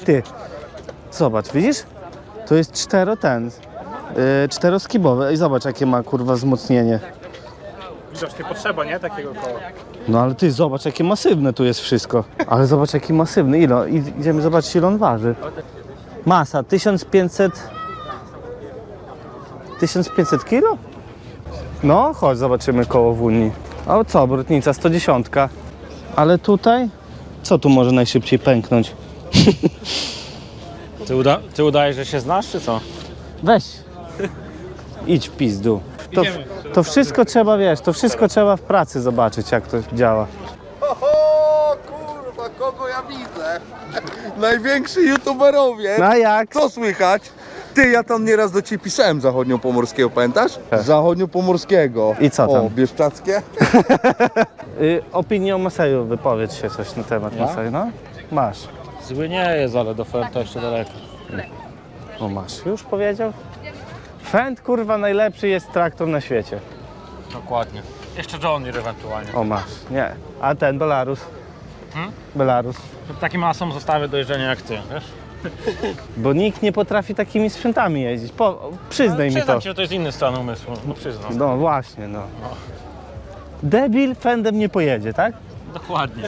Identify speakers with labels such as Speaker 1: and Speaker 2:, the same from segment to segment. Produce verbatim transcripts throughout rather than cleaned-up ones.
Speaker 1: Ty, zobacz, widzisz? To jest cztero ten, yy, czteroskibowe i zobacz jakie ma kurwa wzmocnienie.
Speaker 2: Widocznie potrzeba, nie? Takiego koła.
Speaker 1: No ale ty zobacz jakie masywne tu jest wszystko. Ale zobacz jaki masywny, ile? Idziemy zobaczyć ile on waży. Masa tysiąc pięćset... tysiąc pięćset kilo? No, chodź zobaczymy koło w Unii. A co, obrotnica sto dziesięć. Ale tutaj? Co tu może najszybciej pęknąć?
Speaker 2: Ty, uda ty udajesz, że się znasz, czy co?
Speaker 1: Weź. Idź w pizdu. To, to wszystko trzeba, wiesz, to wszystko trzeba w pracy zobaczyć jak to działa.
Speaker 3: O kurwa, kogo ja widzę? Najwięksi youtuberowie.
Speaker 1: No a jak?
Speaker 3: Co słychać? Ty, ja tam nieraz do ciebie pisałem zachodniopomorskiego, pamiętasz? Zachodniopomorskiego.
Speaker 1: I co tam?
Speaker 3: O, bieszczackie?
Speaker 1: Y, opinię o Maseju, wypowiedz się coś na temat
Speaker 2: Ja?
Speaker 1: Maseju, no? Masz.
Speaker 2: Zły nie jest, ale do Fenta jeszcze daleko.
Speaker 1: O masz, już powiedział? Fend kurwa najlepszy jest traktor na świecie.
Speaker 2: Dokładnie. Jeszcze John Deere ewentualnie.
Speaker 1: O masz, nie. A ten Belarus?
Speaker 2: Hmm?
Speaker 1: Belarus.
Speaker 2: Takim masą zostawię do jeżdżenia jak ty, wiesz?
Speaker 1: Bo nikt nie potrafi takimi sprzętami jeździć. Po, przyznaj mi to.
Speaker 2: Przyznam ci, że to jest inny stan umysłu. No przyznam.
Speaker 1: No właśnie, no. Debil Fendem nie pojedzie, tak?
Speaker 2: Dokładnie.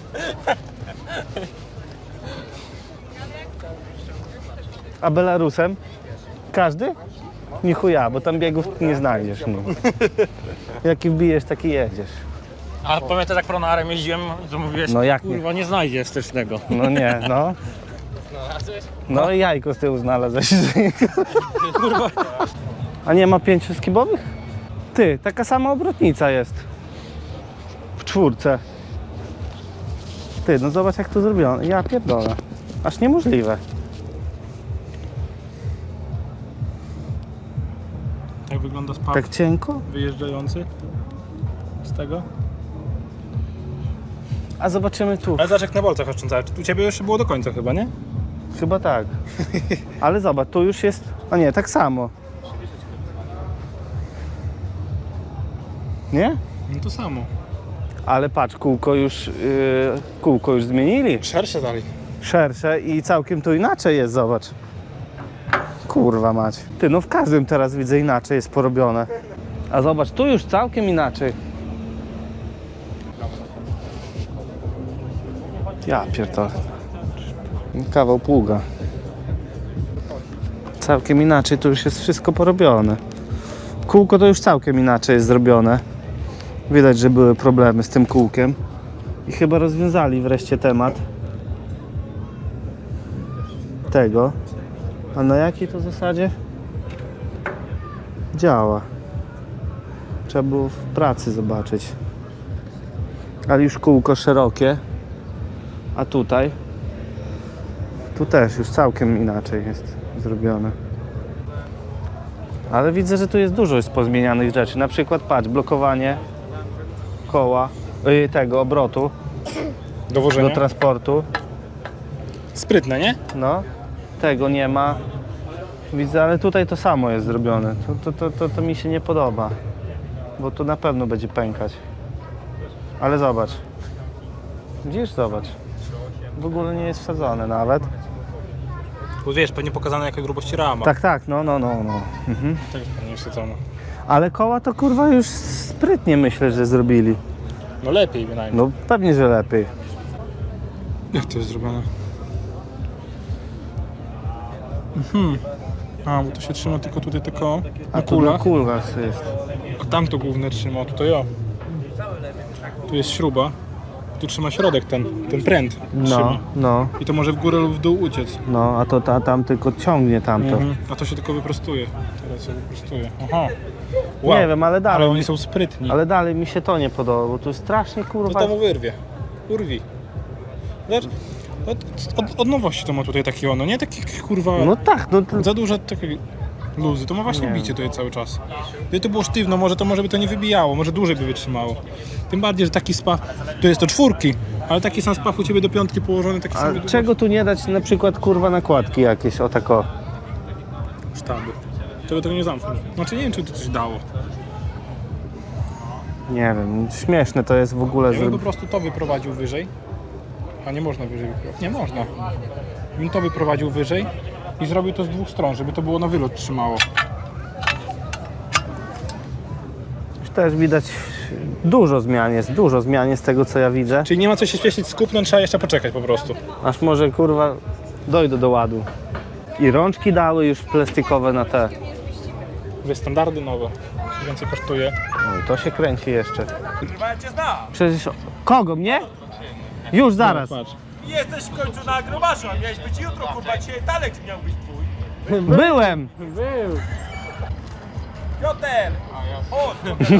Speaker 1: A Belarusem? Każdy? Nie chuja, bo tam biegów nie znajdziesz. No. Jaki wbijesz, taki jedziesz.
Speaker 2: A pamiętasz jak pronarem jeździłem, to mówiłeś,
Speaker 1: No jak nie?
Speaker 2: kurwa nie znajdzie stycznego.
Speaker 1: No nie, no. No i jajko z tyłu znalazłeś.
Speaker 2: Kurwa.
Speaker 1: A nie ma pięciu skibowych? Ty, taka sama obrotnica jest. W czwórce. Ty, no zobacz jak to zrobiono. Ja pierdolę. Aż niemożliwe.
Speaker 2: Jak wygląda spaw
Speaker 1: Tak cienko?
Speaker 2: wyjeżdżający z tego?
Speaker 1: A zobaczymy tu.
Speaker 2: Ale zobacz jak na bolcach oszczędzałeś. U ciebie jeszcze było do końca chyba, nie?
Speaker 1: Chyba tak. Ale zobacz, tu już jest... A nie, tak samo. Nie?
Speaker 2: No to samo.
Speaker 1: Ale patrz, kółko już, yy, kółko już zmienili.
Speaker 2: Szersze dalej.
Speaker 1: Szersze i całkiem tu inaczej jest, zobacz. Kurwa mać. Ty, no w każdym teraz widzę inaczej jest porobione. A zobacz, tu już całkiem inaczej. Ja pierdolę. Kawał pługa. Całkiem inaczej, tu już jest wszystko porobione. Kółko to już całkiem inaczej jest zrobione. Widać, że były problemy z tym kółkiem. I chyba rozwiązali wreszcie temat tego. A na jakiej to zasadzie działa? Trzeba było w pracy zobaczyć. Ale już kółko szerokie. A tutaj? Tu też już całkiem inaczej jest zrobione. Ale widzę, że tu jest dużo już pozmienianych rzeczy. Na przykład patrz, blokowanie koła, yy, tego obrotu
Speaker 2: Dowożenie.
Speaker 1: do transportu.
Speaker 2: Sprytne, nie?
Speaker 1: No, tego nie ma. Widzę, ale tutaj to samo jest zrobione. To, to, to, to, to mi się nie podoba. Bo tu na pewno będzie pękać. Ale zobacz. Widzisz? Zobacz. W ogóle nie jest wsadzone nawet.
Speaker 2: Bo wiesz, pewnie pokazane jakiej grubości rama.
Speaker 1: Tak, tak, no, no, no, no. Mhm.
Speaker 2: Tak jest pewnie wsadzone.
Speaker 1: Ale koła to kurwa już sprytnie myślę, że zrobili.
Speaker 2: No lepiej bynajmniej.
Speaker 1: No pewnie, że lepiej.
Speaker 2: Jak to jest zrobione? Mhm. A, bo to się trzyma tylko tutaj tylko
Speaker 1: A
Speaker 2: na
Speaker 1: tu na
Speaker 2: kulach.
Speaker 1: kulach jest.
Speaker 2: A tam to główne trzyma, a tutaj o. Tu jest śruba. Tu trzyma środek ten, ten pręt.
Speaker 1: No,
Speaker 2: Trzyma.
Speaker 1: no,
Speaker 2: I to może w górę lub w dół uciec.
Speaker 1: no, a to ta, tam tylko ciągnie tamto.
Speaker 2: Mhm. A to się tylko wyprostuje. Teraz się wyprostuje. Aha.
Speaker 1: Nie wiem, ale dalej.
Speaker 2: Ale oni są sprytni.
Speaker 1: Ale dalej mi się to nie podoba, bo tu strasznie
Speaker 2: To
Speaker 1: kurwa...
Speaker 2: to mu wyrwie. Urwi. Zobacz, od, od, od nowości to ma tutaj takie ono, nie? Takie kurwa...
Speaker 1: No tak, no to...
Speaker 2: Za duże takie luzy, to ma właśnie
Speaker 1: Nie.
Speaker 2: bicie tutaj cały czas. Gdyby to było sztywno, może to może by to nie wybijało, może dłużej by wytrzymało. Tym bardziej, że taki spaw, to jest to czwórki, ale taki sam spaw u ciebie do piątki położony, taki sam
Speaker 1: A czego tu nie dać na przykład kurwa nakładki jakieś, o tako?
Speaker 2: sztaby. Żeby tego nie zamknąć. Znaczy nie wiem, czy to coś dało.
Speaker 1: Nie wiem, śmieszne to jest w ogóle.
Speaker 2: Ja bym po
Speaker 1: Zro...
Speaker 2: prostu to wyprowadził wyżej. A nie można wyżej wyprowadzić. Nie można. bym to wyprowadził wyżej i zrobił to z dwóch stron, żeby to było na wylot trzymało.
Speaker 1: Już też widać dużo zmian jest, dużo zmian jest z tego co ja widzę.
Speaker 2: Czyli nie ma co się śpieszyć z kupnem, trzeba jeszcze poczekać po prostu.
Speaker 1: Aż może kurwa dojdę do ładu. I rączki dały już plastikowe na te.
Speaker 2: Mówię, standardy nowe, więcej kosztuje.
Speaker 1: No i to się kręci jeszcze. Przecież kogo, mnie? Już zaraz.
Speaker 2: No, patrz.
Speaker 4: Jesteś w końcu na agromaszu, a miałeś być jutro, kurwa, dzisiaj Talek miał być twój.
Speaker 1: Byłem!
Speaker 4: Piotr! Chodź!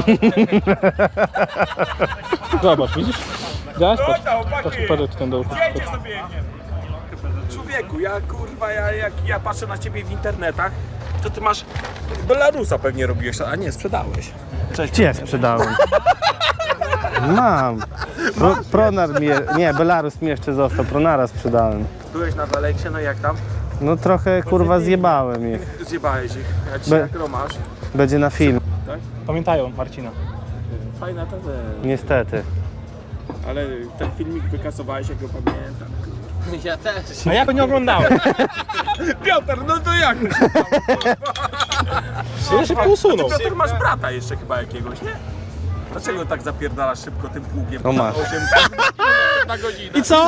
Speaker 2: Zobacz, widzisz? Zaraz,
Speaker 4: Chodź
Speaker 2: patrz,
Speaker 4: tam, chłopaki!
Speaker 2: patrz, patrz, ten dół.
Speaker 4: Zdjęcie sobie biegnie. Człowieku, ja kurwa, ja, jak ja patrzę na ciebie w internetach, to ty masz Belarusa pewnie robiłeś, a nie, sprzedałeś.
Speaker 1: Gdzie sprzedałem? Mam. Pro, Pronar mi, je- nie, Belarus mi jeszcze został, Pronara sprzedałem.
Speaker 4: Byłeś na Daleksie, no i jak tam?
Speaker 1: No trochę kurwa zjebałem ich.
Speaker 4: Zjebałeś ich, ja ci
Speaker 1: Be-
Speaker 4: agro masz.
Speaker 1: Będzie na film,
Speaker 2: Pamiętają Marcina.
Speaker 4: Fajna ta ze-
Speaker 1: niestety.
Speaker 4: ale ten filmik wykasowałeś, jak go pamiętam.
Speaker 2: A ja go nie oglądałem.
Speaker 4: Piotr, no to jak?
Speaker 2: Ja szybko usunął.
Speaker 4: Piotr, masz brata jeszcze chyba jakiegoś, nie? Dlaczego tak zapierdalasz szybko tym pługiem?
Speaker 1: No masz.
Speaker 4: osiem na godzinę.
Speaker 2: I co?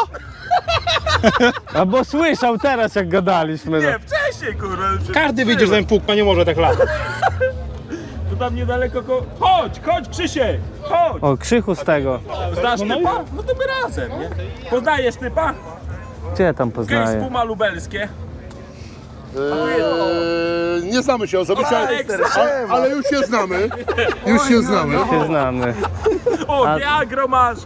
Speaker 1: A bo słyszał teraz jak gadaliśmy. No.
Speaker 4: Nie, wcześniej kurwa.
Speaker 2: Każdy widzi, że ten pług nie może tak latać.
Speaker 4: Tu tam niedaleko go... Chodź, chodź Krzysiek, chodź!
Speaker 1: O, krzychu z tego.
Speaker 4: Znasz typa? No to my razem, nie? Poznajesz typa?
Speaker 1: Gdzie tam
Speaker 4: Gej z
Speaker 1: poznaję?
Speaker 4: Puma lubelskie.
Speaker 5: Eee, nie znamy się osobiście, ale,
Speaker 4: Aleks,
Speaker 5: ale, ale już się znamy. Już się znamy.
Speaker 1: Się znamy.
Speaker 4: o,
Speaker 1: A-
Speaker 4: Viagro masz!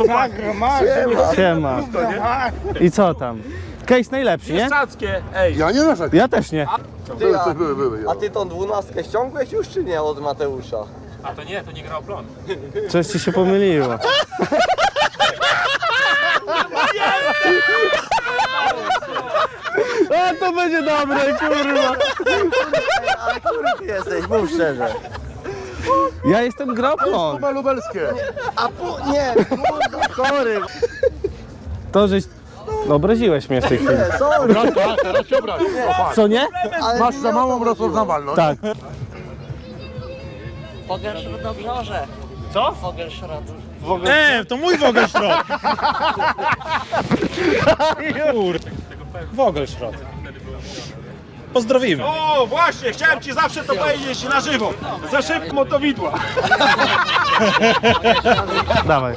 Speaker 1: Siema. I co tam? Case najlepszy, nie?
Speaker 4: Pieszczackie, ej!
Speaker 5: Ja nie narzekam.
Speaker 1: Ja też nie.
Speaker 5: Były, coś były, były.
Speaker 6: A ty tą dwunastkę ściągłeś już czy nie od Mateusza?
Speaker 4: A to nie, to nie grał plon.
Speaker 1: Coś ci się pomyliło. A to będzie dobre, kurwa.
Speaker 6: Ale który ty jesteś, mów szczerze.
Speaker 1: Ja jestem groplon.
Speaker 5: Chyba lubelskie.
Speaker 6: A pu... nie, kurwa, sorry.
Speaker 1: To, żeś... No, obraziłeś mnie w tej chwili.
Speaker 6: Nie, sorry.
Speaker 5: Bracia, teraz się obraź.
Speaker 1: Co nie?
Speaker 6: Ale
Speaker 5: Masz
Speaker 6: nie
Speaker 5: za
Speaker 6: o to
Speaker 5: małą
Speaker 6: chodziło.
Speaker 5: rozpoznawalność.
Speaker 1: Tak.
Speaker 7: Fogelszrot do brzoże.
Speaker 4: Co?
Speaker 7: Fogelszrot.
Speaker 2: E, to mój Wogelszrot. Kurde. Wogelszrot. Pozdrowimy.
Speaker 4: O, właśnie, chciałem ci zawsze to powiedzieć na żywo. Za szybko to widła.
Speaker 1: Dawaj.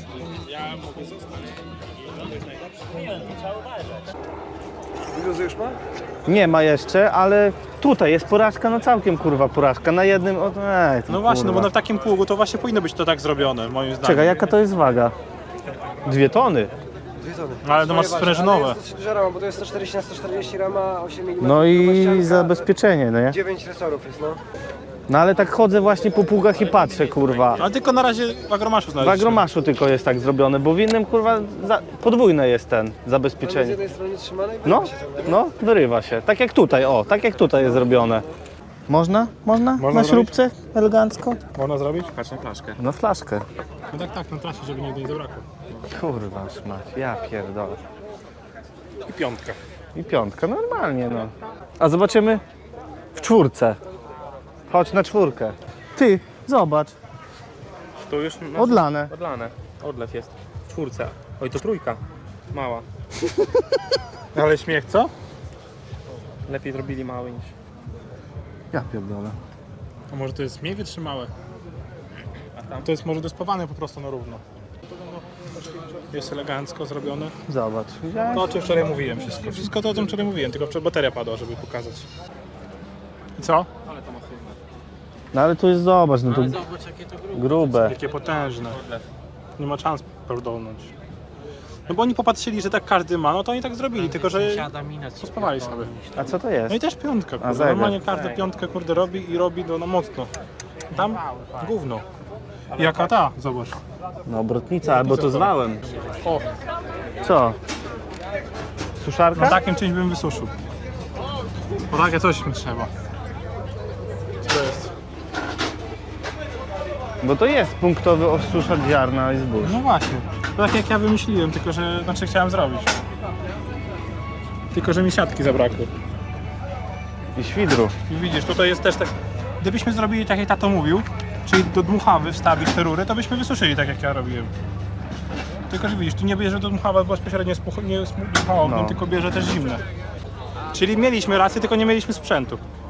Speaker 1: Nie ma jeszcze, ale tutaj jest porażka, no całkiem kurwa porażka. Na jednym, o, ej, to
Speaker 2: No właśnie, no bo
Speaker 1: kurwa.
Speaker 2: na takim pługu to właśnie powinno być to tak zrobione, moim zdaniem.
Speaker 1: Czekaj, jaka to jest waga? Dwie tony.
Speaker 2: No, ale to masz sprężynowe.
Speaker 8: Duża rama, bo to jest sto czterdzieści na sto czterdzieści rama, osiem milimetrów.
Speaker 1: No i
Speaker 8: dwudziestu,
Speaker 1: zabezpieczenie, no nie?
Speaker 8: dziewięć resorów jest, no.
Speaker 1: No ale tak chodzę właśnie po pługach i patrzę, kurwa.
Speaker 2: Ale tylko na razie w agromaszu
Speaker 1: W
Speaker 2: znaleźliśmy.
Speaker 1: agromaszu tylko jest tak zrobione, bo w innym kurwa za, podwójne jest ten
Speaker 8: Tam jest z
Speaker 1: zabezpieczenie.
Speaker 8: jednej strony trzymane i
Speaker 1: No,
Speaker 8: wyrywa się ciągle, nie?
Speaker 1: no, wyrywa się. Tak jak tutaj, o, tak jak tutaj jest zrobione. Można? Można?
Speaker 2: Można
Speaker 1: Na śrubce? Elegancko?
Speaker 2: Można zrobić?
Speaker 4: Patrz na flaszkę.
Speaker 1: No flaszkę.
Speaker 2: No tak, tak, na trasie, żeby nigdy nie zabrakło.
Speaker 1: Kurwa szmać, ja pierdolę.
Speaker 2: I piątka.
Speaker 1: I piątka, normalnie no. A zobaczymy w czwórce. Chodź na czwórkę. Ty, zobacz,
Speaker 4: Tu już
Speaker 1: odlane.
Speaker 4: odlane. Odlew jest. W czwórce. Oj, to trójka. Mała.
Speaker 2: Ale śmiech, co?
Speaker 4: Lepiej zrobili mały niż...
Speaker 1: Ja pierdolę.
Speaker 2: A może to jest mniej wytrzymałe? A tam? To jest może dospawane po prostu na równo. Jest elegancko zrobione.
Speaker 1: Zobacz, widziałeś?
Speaker 2: To o czym wczoraj mówiłem wszystko. Wszystko to o czym wczoraj mówiłem, tylko wczoraj bateria padła, żeby pokazać. I co?
Speaker 1: No ale tu jest, zobacz, no to grube.
Speaker 2: Jakie potężne. Nie ma szans pierdolnąć. No bo oni popatrzyli, że tak każdy ma, no to oni tak zrobili, tylko że pospawali sobie.
Speaker 1: A co to jest?
Speaker 2: No i też piątka, kurde.
Speaker 1: zegar.
Speaker 2: Normalnie każdy piątkę kurde robi i robi no, no mocno. Tam gówno. Jaka ta? Zobacz.
Speaker 1: No obrotnica, albo to zwałem.
Speaker 2: O,
Speaker 1: Co? Suszarka?
Speaker 2: na takim czymś bym wysuszył. Bo takie coś mi trzeba. Co to jest?
Speaker 1: Bo to jest punktowy osuszacz ziarna i zbóż.
Speaker 2: No właśnie. To tak jak ja wymyśliłem, tylko że znaczy chciałem zrobić. Tylko że mi siatki zabrakło.
Speaker 1: I świdru.
Speaker 2: I widzisz, tutaj jest też tak... Gdybyśmy zrobili tak jak tato mówił, czyli do dmuchawy wstawić te rury, to byśmy wysuszyli tak jak ja robiłem. Tylko że widzisz, tu nie bierze do dmuchawa bezpośrednio z nie z dmuchałowym,
Speaker 1: No.
Speaker 2: tylko bierze też zimne. Czyli mieliśmy rację, tylko nie mieliśmy sprzętu.